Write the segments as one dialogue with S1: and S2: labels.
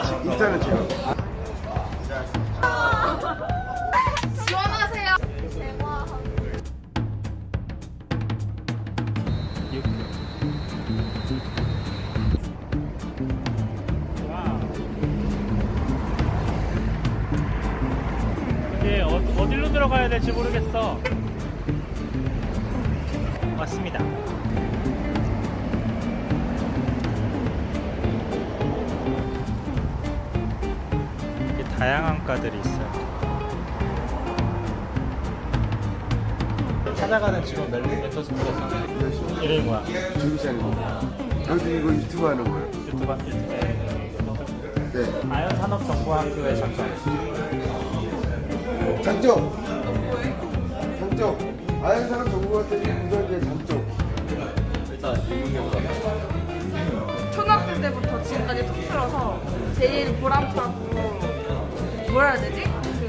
S1: 인스타는 제가.
S2: 지원하세요.
S3: 이제 어디로 들어가야 될지 모르겠어. 맞습니다. 이렇게 다양한 과들이 있어요. 찾아가는 직원 멘토스쿨에서 이름이 뭐야?
S1: 조기찬입니다. 여기 이거 유튜브 하는 거예요?
S3: 유튜버?
S1: 네.
S3: 아연산업정보학교의 장점.
S1: 장점. 아연산업 정보학교의 우선의 장점.
S2: 초등학생 때부터 지금까지 통틀어서 제일 보람차고 뭐라 해야 되지?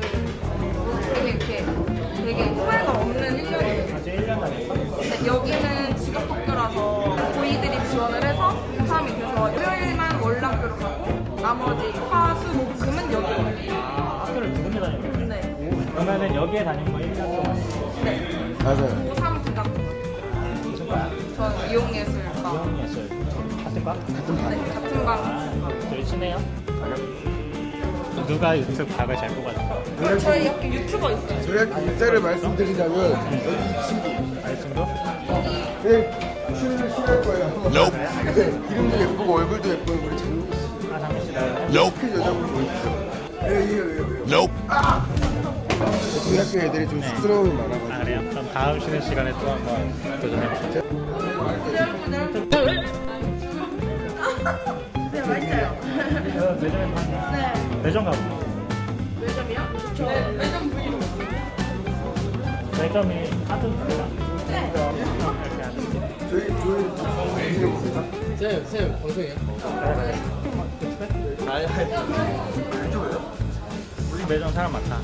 S2: 되게 후회가 없는 1년이에요.
S3: 아직 1년 다녔어?
S2: 여기는 직업학교라서 고이들이 지원을 해서 고3이 돼서 일요일만 월남교로 가고 나머지 화, 수, 목, 금은 여기 와요.
S3: 학교를 두 군데 다녔는데?
S2: 네.
S3: 그러면은 여기에 다닌 거 1년 동안.
S2: 네.
S1: 맞아요.
S2: 고3 기간
S3: 무슨 과야?
S2: 전 이용예술과.
S3: 이용예술. 같은 과?
S2: 네, 같은 방.
S3: 저희 친해요? 누가 유튜브 각을 잘 뽑아줄까?
S2: 저희 학교 유튜버 있어요.
S1: 저희 학교 인사를 말씀드리자면 여기 이 친구.
S3: 알친구?
S1: 네, 출연을 싫어할 거예요. 네, 이름도 예쁘고 얼굴도 예쁜 우리 장미 씨.
S3: 아, 장미 씨 나요?
S1: 큰 여자분 보이시죠? 네. 저희 학교 애들이 좀 쑥스러움이 많아가지고.
S3: 아, 그래요? 그럼 다음 쉬는 시간에 또 한번 도전해볼게요.
S2: 네, 맛있어요.
S3: 매점에 파냐?
S2: 네.
S3: 매점 가고.
S2: 매점이요? 저 매점 부위로.
S3: 매점이 같은 데가?
S2: 네.
S1: 저희
S4: 쌤 방송이에요?
S3: 우리 매점 사람 많다.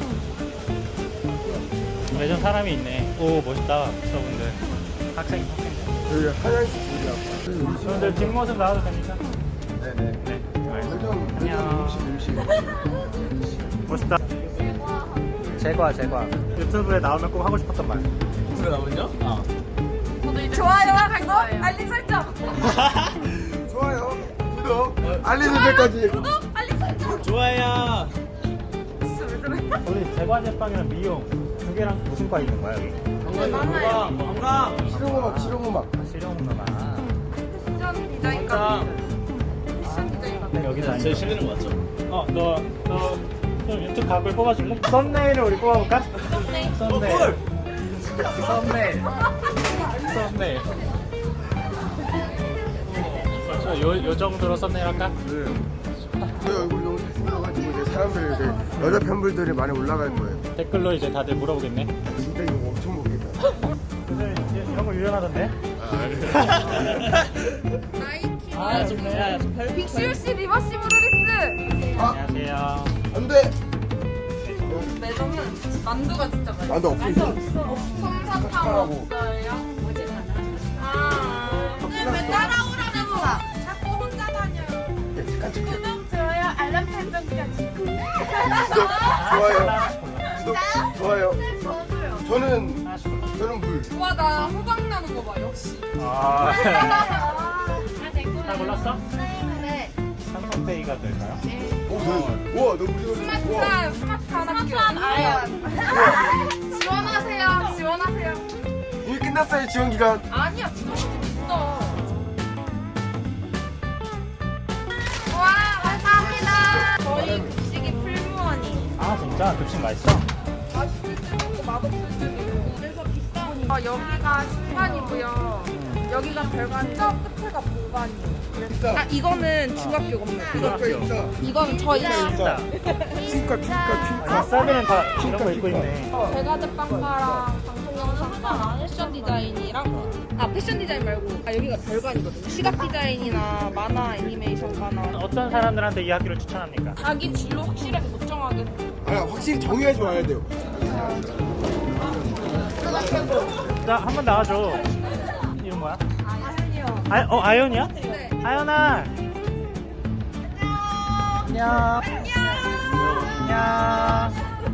S3: 매점 사람이 있네. 오, 멋있다. 저분들. 학생.
S1: 저희 하얀색 분이라고.
S3: 저분들 뒷모습 나와도 됩니까?
S1: 네네.
S3: 네.
S1: 매점
S3: 안녕.
S1: 음식.
S3: 멋있다. 제과. 유튜브에 나오면 꼭 하고 싶었던 말.
S4: 유튜브 나오면요?
S2: 좋아요와 구독, 알림 설정.
S1: 좋아요, 구독, 알림 설정까지.
S2: 구독, 알림 설정.
S4: 좋아요.
S2: 진짜 왜 그래?
S3: 우리 제과 제빵이랑 미용 두 개랑 무슨 과 있는 거야 여기?
S2: 많아요.
S1: 실용음악.
S3: 실용음악아.
S2: 패션 디자인과 패션 디자인과.
S3: 여기서
S4: 제일 실리는 거 맞죠?
S3: 너 유튜브 각을 뽑아줄래? 썸네일을 우리 뽑아볼까? 썸네일. 요 정도로 썸네일 할까?
S1: 저희 얼굴이 너무 잘생겨가지고 이제 사람들 이제 여자 팬분들이 많이 올라갈 거예요.
S3: 댓글로 이제 다들 물어보겠네.
S1: 진짜 이거 엄청 먹겠다.
S3: 근데 이런 거 유연하던데?
S2: 나이키.
S4: 좋네.
S2: 빅슈씨 리버시브 루리스.
S3: 안녕하세요.
S1: 안돼.
S2: 매점은 만두가 진짜 맛있어.
S1: 나도 없어.
S2: 솜사탕 없어요? 어제 왜 따라오라는 거야? 자꾸 혼자 다녀요. 구독, 좋아요, 알람 설정까지.
S1: 좋아요. 좋아요.
S2: 저도요.
S1: 저는 물.
S2: 와, 나 호박 나는 거 봐, 역시.
S3: 아,
S2: 다
S3: 다 골랐어?
S2: 네.
S3: 삼성페이가 될까요?
S1: 오, 저는. 우와, 너 우리
S2: 스마트한 아연. 지원하세요.
S1: 이미 끝났어요 지원 기간.
S2: 아니야, 지금 있어. 와, 감사합니다. 저희 급식이 풀무원이.
S3: 아 진짜? 급식 맛있어?
S2: 맛있을 때도 있고 맛없을 때도 있고 그래서 비싸. 여기가 신반이고요. 여기가 별관, 저 끝에가 보관이에요.
S1: 비싸.
S2: 아, 이거는 중학교 건물.
S1: 중학교 있어.
S2: 이건 저희
S3: 진짜.
S1: 퀸카.
S3: 아싸비는 다 이런 거 입고 있네.
S2: 제가 제빵과랑 방송영상과 패션 디자인이랑 패션 디자인 말고 여기가 별관이거든요. 시각 디자인이나 만화, 애니메이션과나
S3: 어떤 사람들한테 이 학교를 추천합니까?
S2: 자기 진로 확실하게 못 정하게.
S1: 확실히 정해야지 와야 돼요.
S3: 자, 한 번 나와줘. 이름 뭐야?
S2: 아연이요.
S3: 아연이야?
S2: 네.
S3: 아연아. 안녕. 안녕.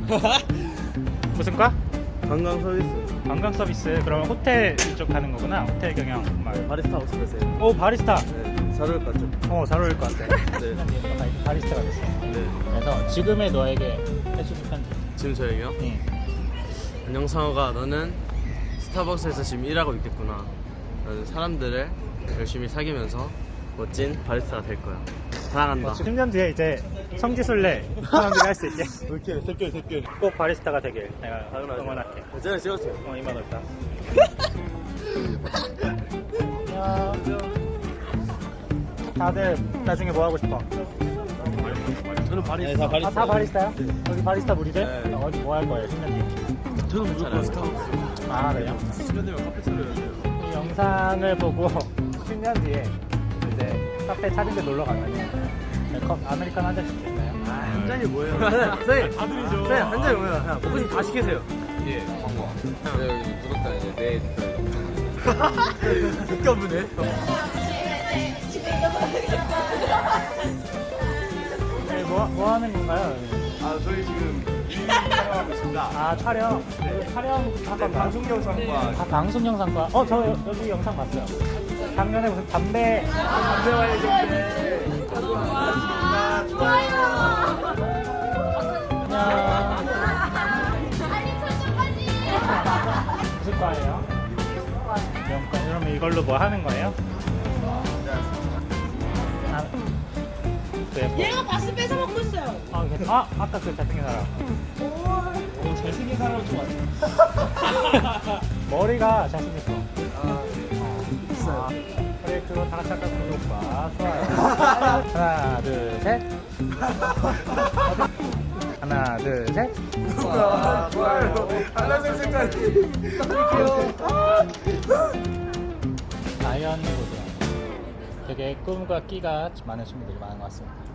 S3: 무슨 과?
S4: 관광 서비스.
S3: 관광 서비스. 그러면 호텔 이쪽 가는 거구나. 호텔 경영.
S4: 바리스타 하고 싶으세요?
S3: 오 바리스타.
S4: 네. 잘 어울릴 것 같죠?
S3: 잘 어울릴 것 같아.
S4: 네.
S3: 바리스타가 됐어.
S4: 네.
S3: 그래서 지금의 너에게 해주고 편지.
S4: 지금 저에게요?
S3: 응.
S4: 안녕 상호가, 너는 스타벅스에서 지금 일하고 있겠구나. 너는 사람들을 열심히 사귀면서 멋진 바리스타가 될 거야. 사랑한다.
S3: 10년 뒤에 이제 성지순례 사람들이 할 수 있게
S4: 이렇게 새끼.
S3: 꼭 바리스타가 되길 내가
S4: 당연하죠.
S3: 응원할게.
S4: 제가 찍었어요.
S3: 이만 올까? 안녕. 다들 나중에 뭐 하고 싶어?
S4: 저는 바리스타. 네,
S3: 다 바리스타요? 여기 바리스타 무리들?
S4: 네.
S3: 어디 뭐 할 거예요? 10년 뒤에?
S4: 저는 무조건 스타벅스.
S3: 아 그래요?
S4: 10년 되면 카페 차려야 돼요.
S3: 이 영상을 보고 10년 뒤에 이제 카페 차린 데 놀러 가면은 아메리카노 한 잔씩 드릴까요?
S4: 한 잔이 뭐예요? 선생님, 아들이죠. 선생님, 한 잔이 뭐예요? 그냥 먹고 다 시키세요. 예.
S5: 여기 구독자 이제 내일
S4: 국가부네.
S3: 네, 뭐 하는 건가요?
S5: 아 저희 지금 촬영하고 있습니다.
S3: 아 촬영? 촬영 잠깐
S5: 방송 영상과
S3: 방송 영상과 저 여기 영상 봤어요. 작년에 무슨 담배 무슨 과예요? 영과. 그러면 이걸로 뭐 하는 거예요?
S2: 얘가 바스 뺏어 먹고 있어요.
S3: 아까 그 잘생긴 사람.
S4: 잘생긴 사람 좋아해.
S3: 머리가 잘생겼어. 그래, 그거 다 같이 할까? 구독과 좋아요. 하나, 둘, 셋. 하나, 둘, 셋.
S1: 좋아요. 알람 색깔이.
S3: 자연 고등. 되게 꿈과 끼가 많은 친구들이 많은 것 같습니다.